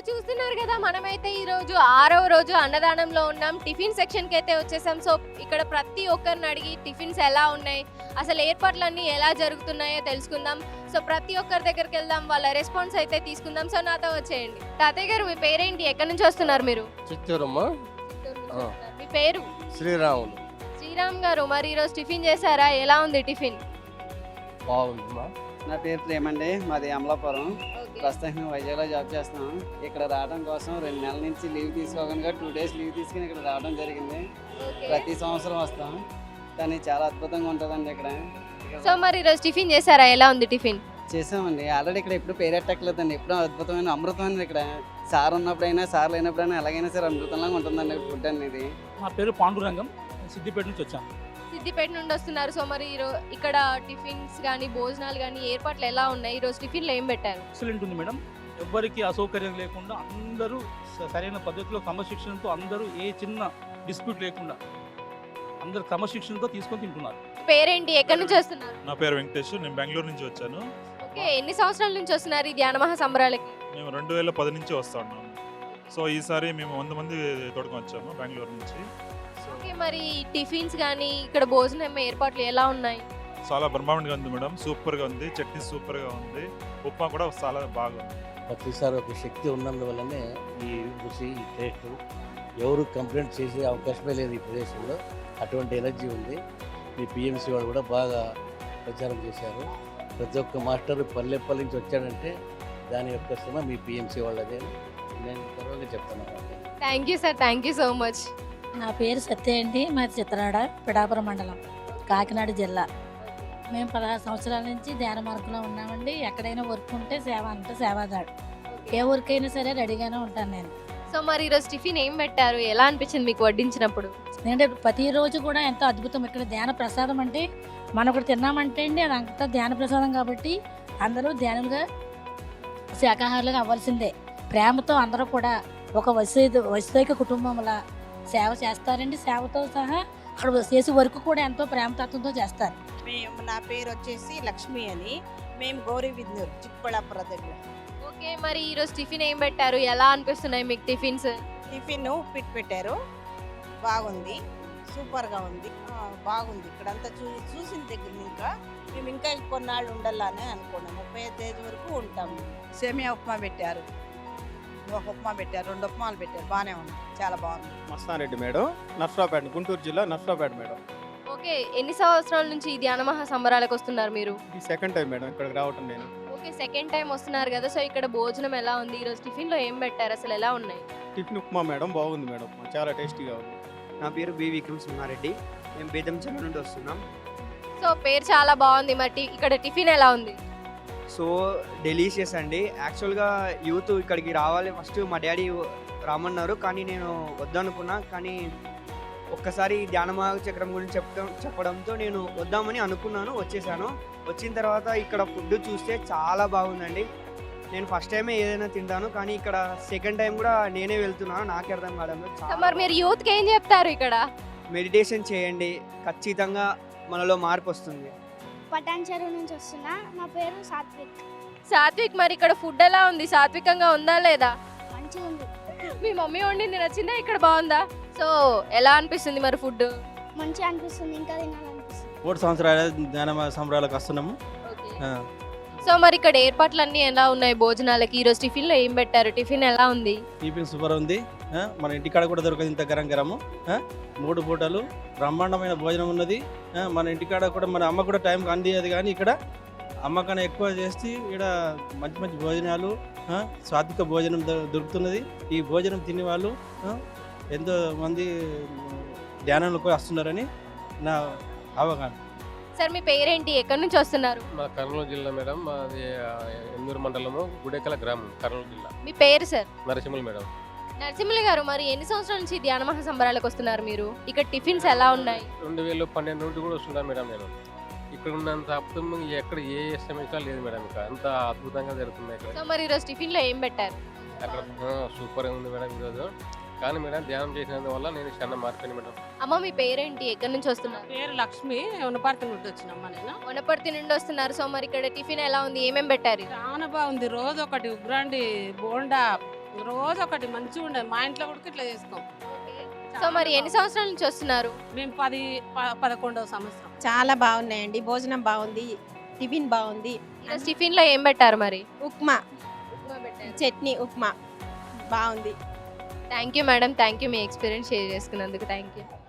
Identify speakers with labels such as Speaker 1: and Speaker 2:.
Speaker 1: చూస్తున్నారు కదా, మనమైతే ఈ రోజు 6వ రోజు అన్నదానంలో ఉన్నాం. టిఫిన్ సెక్షన్ కి అయితే వచ్చేసాం. సో ఇక్కడ ప్రతి ఒక్కరిని అడిగి టిఫిన్స్ ఎలా ఉన్నాయి, అసలు ఏర్పాట్లన్నీ ఎలా జరుగుతున్నాయో తెలుసుకుందాం. సో ప్రతి ఒక్కరి దగ్గరికి వెళ్దాం, వాళ్ళ రెస్పాన్స్ అయితే తీసుకుందాం. సో నాతో వచ్చేయండి. తాతయ్య గారు, మీ పేరేంటి, ఎక్కడి నుంచి వస్తున్నారు మీరు?
Speaker 2: చిత్తూరమ్మా.
Speaker 1: చిత్తూరు నుంచి వస్తున్నారు. మీ పేరు?
Speaker 2: శ్రీరాములు.
Speaker 1: శ్రీరామ్ గారు, మరి ఈరోజు టిఫిన్ చేశారా? ఎలా ఉంది టిఫిన్?
Speaker 2: బాగుందమ్మా.
Speaker 3: నా పేరు ప్రేమ్ అండి, మాది అమలాపురం. ప్రస్తుతం వైజాగ్లో జాబ్ చేస్తున్నాం. ఇక్కడ రావడం కోసం 2 నెలల నుంచి లీవ్ తీసుకోకుండా 2 డేస్ లీవ్ తీసుకుని ఇక్కడ రావడం జరిగింది. ప్రతి సంవత్సరం వస్తాం, కానీ చాలా అద్భుతంగా ఉంటుందండి ఇక్కడ.
Speaker 1: సో మరి ఈరోజు టిఫిన్ చేశారా? ఎలా ఉంది టిఫిన్?
Speaker 3: చేసామండి. ఆల్రెడీ ఇక్కడ ఎప్పుడు పేరెట్టట్లేదండి. ఎప్పుడు అద్భుతమైన అమృతమైన ఇక్కడ. సార్ ఉన్నప్పుడైనా సార్ లేనప్పుడైనా ఎలాగైనా సరే అమృతంలాగా ఉంటుందండి ఫుడ్ అనేది.
Speaker 4: మా పేరు పాండురంగం, సిద్దిపేట నుంచి వచ్చాను.
Speaker 1: సిద్దిపేట నుండి వస్తున్నారు. సో మరి ఇక్కడ టిఫిన్స్ కానీ భోజనాలు కానీ ఏర్పాట్లు ఎలా ఉన్నాయి? ఈరోజు టిఫిన్లో ఏం పెట్టారు?
Speaker 4: ఎక్సలెంట్ ఉంది మేడం. ఎవ్వరికి అసౌకర్యం లేకుండా అందరూ సరైన పద్ధతిలో క్రమశిక్షణతో, అందరూ ఏ చిన్న డిస్ప్యూట్ లేకుండా అందరు క్రమశిక్షణతో తీసుకొని తింటున్నారు.
Speaker 1: పేరేంటి, ఎక్కడి నుంచి వస్తున్నారు?
Speaker 5: నా పేరు వెంకటేష్, నేను బెంగళూరు నుంచి వచ్చాను.
Speaker 1: ఓకే, ఎన్ని సంవత్సరాల నుంచి వస్తున్నారు ఈ ధ్యాన మహా సంబరాలకి?
Speaker 5: మేము 2010 నుంచి వస్తా ఉన్నాము. సో ఈసారి మేము 100 మంది తోడుకొని వచ్చాము బెంగళూరు నుంచి. సో
Speaker 1: ఓకే, మరి టిఫిన్స్ కానీ ఇక్కడ భోజనం ఏర్పాట్లు ఎలా ఉన్నాయి?
Speaker 5: చాలా బ్రహ్మాండంగా ఉంది మేడం, సూపర్గా ఉంది. చట్నీ సూపర్గా ఉంది, ఉప్మా కూడా చాలా బాగుంది.
Speaker 2: ప్రతిసారి ఒక శక్తి ఉన్నందువల్లనే ఈ రుచి, ఈ టేస్ట్ ఎవరు కంప్లైంట్ చేసే అవకాశమే లేదు ఈ ప్రదేశంలో. అటువంటి ఎనర్జీ ఉంది. ఈ పిఎంసీ వాళ్ళు కూడా బాగా ప్రచారం చేశారు. ప్రతి ఒక్క మాస్టర్ పల్లెపల్లి నుంచి వచ్చాడంటే దాని యొక్క శ్రమ మీ పిఎంసీ వాళ్ళదే నేను గర్వంగా చెప్తాను.
Speaker 1: Thank you sir, thank you so much.
Speaker 6: నా పేరు సత్య అండి, మాది చిత్రనాడ, పిఠాపురం మండలం, కాకినాడ జిల్లా. మేము 16 సంవత్సరాల నుంచి ధ్యాన మార్గంలో ఉన్నామండి. ఎక్కడైనా వర్క్ ఉంటే సేవ అంటే సేవాదాడు. ఏ వర్క్ అయినా సరే రెడీగానే ఉంటాను నేను.
Speaker 1: సో మరి ఈరోజు టిఫిన్ ఏం పెట్టారు? ఎలా అనిపించింది మీకు వడ్డించినప్పుడు?
Speaker 6: ఎందుకంటే ప్రతిరోజు కూడా ఎంతో అద్భుతం. ఇక్కడ ధ్యాన ప్రసాదం అంటే మనం ఒకటి తిన్నామంటే అండి అది అంతా ధ్యాన ప్రసాదం కాబట్టి అందరూ ధ్యానంగా శాకాహారులుగా అవ్వాల్సిందే. ప్రేమతో అందరూ కూడా ఒక వైశ్విక కుటుంబంలా సేవ చేస్తారండి. సేవతో సహా అక్కడ చేసే వరకు కూడా ఎంతో ప్రేమతత్వంతో చేస్తారు.
Speaker 7: నా పేరు వచ్చేసి లక్ష్మి అని. మేము గౌరీ విద్నూర్, చిక్కబళ్ళాపుర దగ్గర.
Speaker 1: ఓకే, మరి ఈరోజు టిఫిన్ ఏం పెట్టారు? ఎలా అనిపిస్తున్నాయి మీకు టిఫిన్స్?
Speaker 7: టిఫిన్ ఉప్పిట్టు పెట్టారు, బాగుంది, సూపర్గా ఉంది, బాగుంది. ఇక్కడంతా చూసిన దగ్గర మేము ఇంకా కొన్నాళ్ళు ఉండాలని అనుకున్నాం. 35 ఏజ్ వరకు ఉంటాము. సేమియా ఉప్మా పెట్టారు, ఒక ఉప్మా పెట్టారు, 2 ఉప్మాలు పెట్టారు, బాగానే ఉంది, చాలా బాగుంది.
Speaker 8: మస్తారెడ్డి మేడం, నర్సరావుపేట, గుంటూరు జిల్లా నర్సరావుపేట మేడం.
Speaker 1: ఓకే, ఎన్ని సంవత్సరాల నుంచి ఈ ధ్యాన మహా సంబరాలకు వస్తున్నారు మీరు?
Speaker 8: ఇది సెకండ్ టైం మేడం ఇక్కడికి రావటం నేను.
Speaker 1: ఓకే, సెకండ్ టైం వస్తున్నారు కదా. సో ఇక్కడ భోజనం ఎలా ఉంది? ఈరోజు టిఫిన్లో ఏం పెట్టారు? అసలు ఎలా ఉన్నాయి?
Speaker 8: టిఫిన్ ఉప్మా మేడం, బాగుంది మేడం, చాలా టేస్టీగా ఉంది.
Speaker 9: నా పేరు బి విక్రమ్ సింహారెడ్డి, మేము బేదంచెల నుండి వస్తున్నాం.
Speaker 1: సో పేరు చాలా బాగుంది. మరి ఇక్కడ టిఫిన్ ఎలా ఉంది?
Speaker 9: సో డెలీషియస్ అండి. యాక్చువల్గా యూత్ ఇక్కడికి రావాలి, ఫస్ట్ మా డాడీ రామన్నారు, కానీ నేను వద్దనుకున్నా. కానీ ఒక్కసారి ధ్యానమా చక్రం గురించి చెప్పడంతో నేను వద్దామని అనుకున్నాను, వచ్చేసాను. వచ్చిన తర్వాత ఇక్కడ ఫుడ్ చూస్తే చాలా బాగుందండి. నేను ఫస్ట్ టైమే ఏదైనా తింటాను, కానీ ఇక్కడ సెకండ్ టైం కూడా నేనే వెళ్తున్నాను, నాకే అర్థం కావడంలో.
Speaker 1: మరి మీరు యూత్కి ఏం చెప్తారు? ఇక్కడ
Speaker 9: మెడిటేషన్ చేయండి, ఖచ్చితంగా మనలో మార్పు వస్తుంది.
Speaker 10: పటాన్ చెరువు నుంచి వస్తున్నా, నా పేరు సాత్విక్.
Speaker 1: సాత్విక్, మరి ఇక్కడ ఫుడ్ ఎలా ఉంది? సాత్వికంగా ఉందా లేదా?
Speaker 10: మంచిగా ఉంది.
Speaker 1: మీ మమ్మీ వండింది నచ్చిందా? ఇక్కడ బాగుందా? సో ఎలా అనిపిస్తుంది మరి ఫుడ్?
Speaker 10: మంచిగా అనిపిస్తుంది, ఇంకా తినాలనిపిస్తుంది.
Speaker 8: 3 సంవత్సరాల ధ్యాన సంబరాలకు వస్తున్నాము.
Speaker 1: సో మరి ఇక్కడ ఏర్పాట్లన్నీ ఎలా ఉన్నాయి భోజనాలకి? ఈరోజు టిఫిన్లో ఏం పెట్టారు? టిఫిన్ ఎలా ఉంది?
Speaker 8: టిఫిన్ సూపర్ ఉంది. మన ఇంటికాడ కూడా దొరకదు ఇంత గరం గరము. 3 పూటలు బ్రహ్మాండమైన భోజనం ఉన్నది. మన ఇంటికాడ కూడా మన అమ్మ కూడా టైంకి అందియదు, కానీ ఇక్కడ అమ్మ కన్నా ఎక్కువ చేసి ఇక్కడ మంచి మంచి భోజనాలు, సాత్విక భోజనం దొరుకుతున్నది. ఈ భోజనం తినే వాళ్ళు ఎంతో మంది ధ్యానంలోకి వస్తున్నారని నా అవగాహన.
Speaker 1: సార్ మీ పేరేంటి, ఎక్కడి నుంచి వస్తున్నారు?
Speaker 2: మా కర్నూలు జిల్లా మేడం, మాది ఎన్నూరు మండలము, గుడెకల గ్రామం, కర్నూలు జిల్లా.
Speaker 1: మీ పేరు సార్?
Speaker 2: నరసింహులు మేడం.
Speaker 1: నరసింహులు గారు, మరి ఎన్ని సంవత్సరాల నుంచి ధ్యాన మహా సంబరాలకు వస్తున్నారు మీరు? ఇక్కడ టిఫిన్స్ ఎలా ఉన్నాయి?
Speaker 2: 2012 నుండి కూడా వస్తున్నాను మేడం నేను. ఇక్కడ ఉన్నంత అద్భుతం ఎక్కడ ఏ సమస్య లేదు మేడం. ఇక్కడ అంత అద్భుతంగా జరుగుతుంది ఇక్కడ.
Speaker 1: సో మరి ఈరోజు టిఫిన్లో ఏం పెట్టారు?
Speaker 2: అక్కడ సూపర్గా ఉంది మేడం ఈరోజు. కానీ మేడం ధ్యానం చేసినందువల్ల నేను చాలా మారిపోయాను మేడం.
Speaker 1: అమ్మ మీ పేరేంటి, ఎక్కడి నుంచి వస్తున్నారు?
Speaker 7: పేరు లక్ష్మి, వనపర్తి నుండి వచ్చినమ్మా నేను.
Speaker 1: వనపర్తి నుండి వస్తున్నారు. సో మరి ఇక్కడ టిఫిన్ ఎలా ఉంది? ఏమేమి పెట్టారు?
Speaker 7: చాలా బాగుంది. రోజు ఒకటి ఉగ్రాండి, బోండా,
Speaker 11: రోజు ఒకటి మంచిగా ఉండదు. మా ఇంట్లో కూడా ఇట్లా చేసుకోం.
Speaker 1: సో మరి ఎన్ని సంవత్సరాల నుంచి వస్తున్నారు?
Speaker 11: మేము 11వ సంవత్సరం.
Speaker 7: చాలా బాగున్నాయండి. భోజనం బాగుంది, టిఫిన్ బాగుంది.
Speaker 1: ఈరోజు టిఫిన్ లో ఏం పెట్టారు మరి?
Speaker 7: ఉప్మా, చట్నీ, ఉప్మా బాగుంది.
Speaker 1: Thank you madam, thank you మీ ఎక్స్పీరియన్స్ షేర్ చేసుకున్నందుకు. Thank you.